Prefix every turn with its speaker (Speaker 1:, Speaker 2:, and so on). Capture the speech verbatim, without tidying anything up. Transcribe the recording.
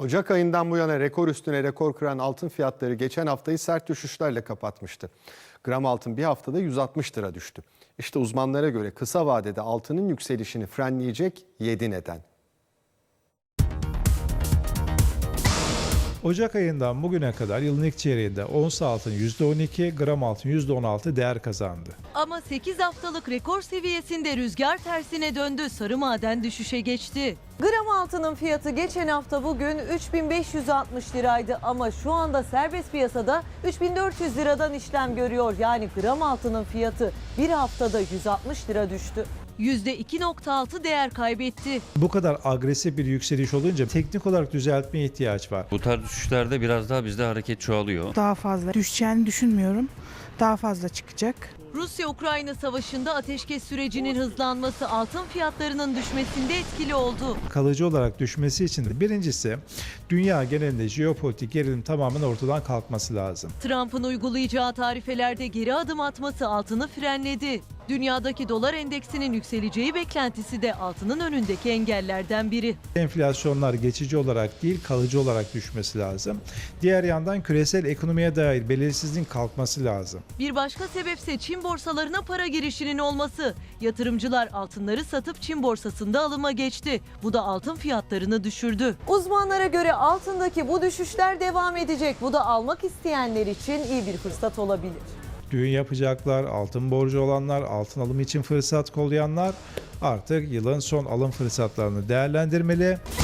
Speaker 1: Ocak ayından bu yana rekor üstüne rekor kıran altın fiyatları geçen haftayı sert düşüşlerle kapatmıştı. Gram altın bir haftada yüz altmış lira düştü. İşte uzmanlara göre kısa vadede altının yükselişini frenleyecek yedi neden.
Speaker 2: Ocak ayından bugüne kadar yılın ilk çeyreğinde ons altın yüzde on iki, gram altın yüzde on altı değer kazandı.
Speaker 3: Ama sekiz haftalık rekor seviyesinde rüzgar tersine döndü. Sarı maden düşüşe geçti.
Speaker 4: Gram altının fiyatı geçen hafta bugün üç bin beş yüz altmış liraydı ama şu anda serbest piyasada üç bin dört yüz liradan işlem görüyor. Yani gram altının fiyatı bir haftada yüz altmış lira düştü.
Speaker 3: yüzde iki nokta altı değer kaybetti.
Speaker 2: Bu kadar agresif bir yükseliş olunca teknik olarak düzeltmeye ihtiyaç var.
Speaker 5: Bu tarz düşüşlerde biraz daha bizde hareket çoğalıyor.
Speaker 6: Daha fazla düşeceğini düşünmüyorum. Daha fazla çıkacak.
Speaker 3: Rusya-Ukrayna savaşında ateşkes sürecinin hızlanması altın fiyatlarının düşmesinde etkili oldu.
Speaker 2: Kalıcı olarak düşmesi için de birincisi dünya genelinde jeopolitik gerilim tamamen ortadan kalkması lazım.
Speaker 3: Trump'ın uygulayacağı tarifelerde geri adım atması altını frenledi. Dünyadaki dolar endeksinin yükseleceği beklentisi de altının önündeki engellerden biri.
Speaker 2: Enflasyonlar geçici olarak değil kalıcı olarak düşmesi lazım. Diğer yandan küresel ekonomiye dair belirsizliğin kalkması lazım.
Speaker 3: Bir başka sebepse Çin borsalarına para girişinin olması. Yatırımcılar altınları satıp Çin borsasında alıma geçti. Bu da altın fiyatlarını düşürdü.
Speaker 4: Uzmanlara göre altındaki bu düşüşler devam edecek. Bu da almak isteyenler için iyi bir fırsat olabilir.
Speaker 2: Düğün yapacaklar, altın borcu olanlar, altın alımı için fırsat kollayanlar artık yılın son alım fırsatlarını değerlendirmeli.